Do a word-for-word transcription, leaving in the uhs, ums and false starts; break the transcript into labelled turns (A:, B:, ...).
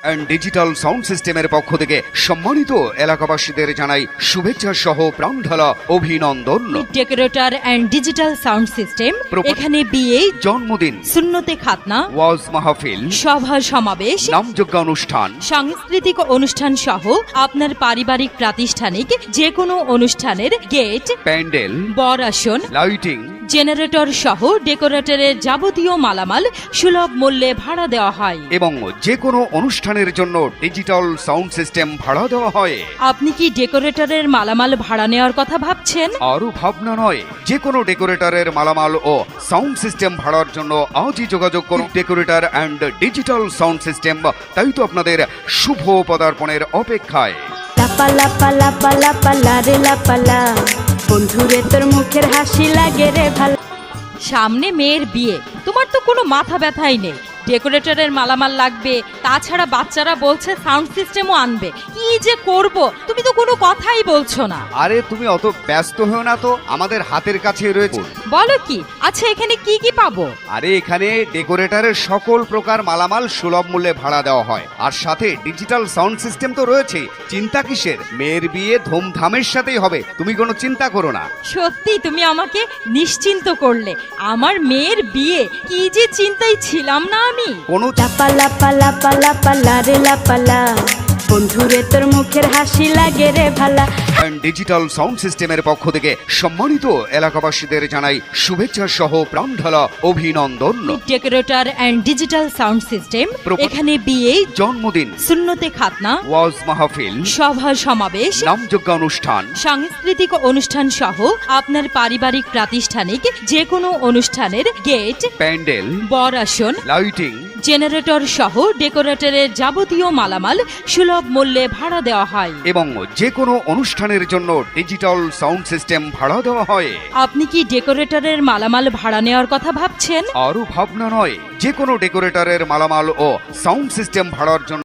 A: And digital sound সিস্টেমের পক্ষ থেকে সম্মানিত এলাকাবাসীদের জানাই শুভেচ্ছা সহ প্রাণঢালা অভিনন্দন।
B: Decorator and digital sound system এখানে বিয়ে,
A: জন্মদিন,
B: সুন্নতে খাতনা,
A: ওয়াজ মাহফিল,
B: সভা সমাবেশ,
A: নামযজ্ঞ অনুষ্ঠান,
B: সাংস্কৃতিক অনুষ্ঠান সহ আপনার পারিবারিক প্রাতিষ্ঠানিক যে কোনো অনুষ্ঠানের গেট,
A: প্যান্ডেল,
B: বর আসন,
A: লাইটিং,
B: জেনারেটর সহ ডেকোরেটরের যাবতীয় মালামাল সুলভ মূল্যে ভাড়া দেওয়া হয়
A: এবং যে কোনো অনুষ্ঠানের জন্য ডিজিটাল সাউন্ড সিস্টেম ভাড়া দেওয়া হয়।
B: আপনি কি ডেকোরেটরের মালামাল ভাড়া নেওয়ার কথা ভাবছেন?
A: আরো ভাবনা নয়, যে কোনো ডেকোরেটরের মালামাল ও সাউন্ড সিস্টেম ভাড়ার জন্য আজই যোগাযোগ করুন decorator and digital sound system. তাই তো আপনাদের শুভ পদার্পণের অপেক্ষায়।
C: লাপা লাপা লাপা লাপা লা রে লাপা লা, বন্ধুরে তোর মুখের হাসি লাগে রে ভালো।
B: সামনে মেয়ের বিয়ে, তোমার তো কোনো মাথা ব্যথাই নেই। ডেকোরেটরের মালামাল লাগবে, তাছাড়া বাচ্চারা বলছে সাউন্ড সিস্টেমও আনবে। কি যে করব, তুমি তো কোনো কথাই বলছো না।
A: আরে তুমি অত ব্যস্ত হও না তো, আমাদের হাতের কাছে রয়েছে।
B: বলো কি? আচ্ছা, এখানে কি কি পাবো?
A: আরে এখানে ডেকোরেটরের সকল প্রকার মালামাল সুলভ মূল্যে ভাড়া দেওয়া হয়, আর সাথে ডিজিটাল সাউন্ড সিস্টেম তো রয়েছে। চিন্তা কিসের? মেয়ের বিয়ে ধুমধামের সাথেই হবে, তুমি কোনো চিন্তা করো না।
B: সত্যি তুমি আমাকে নিশ্চিন্ত করলে। আমার মেয়ের বিয়ে, কি যে চিন্তায় ছিলাম না আমি।
A: কোনো
C: লাপা লাপা লাপা লাপা লা রে লাপা লা, বন্ধুরে তোর মুখের হাসি লাগে রে ভালা।
A: ডিজিটাল সাউন্ড সিস্টেমের পক্ষ থেকে সম্মানিত এলাকাবাসীদের জানাই শুভেচ্ছা সহ প্রাণঢালা অভিনন্দন।
B: Decorator and digital sound system এখানে বিয়ে,
A: জন্মদিন,
B: সুন্নতে খাতনা,
A: ওয়াজ মাহফিল,
B: সভা সমাবেশ,
A: নামযজ্ঞ অনুষ্ঠান,
B: সাংস্কৃতিক অনুষ্ঠান সহ আপনার পারিবারিক প্রাতিষ্ঠানিক যে কোনো অনুষ্ঠানের গেট,
A: প্যান্ডেল,
B: বর আসন,
A: লাইটিং,
B: জেনারেটর সহ ডেকোরেটরের যাবতীয় মালামাল সুলভ মূল্যে ভাড়া দেওয়া হয়
A: এবং যে কোনো অনুষ্ঠানের জন্য ডিজিটাল সাউন্ড সিস্টেম ভাড়া দেওয়া হয়।
B: আপনি কি ডেকোরেটরের মালামাল ভাড়া নেওয়ার কথা ভাবছেন?
A: আরো ভাবনা নয়, যে কোনো ডেকোরেটরের মালামাল ও সাউন্ড সিস্টেম ভাড়ার জন্য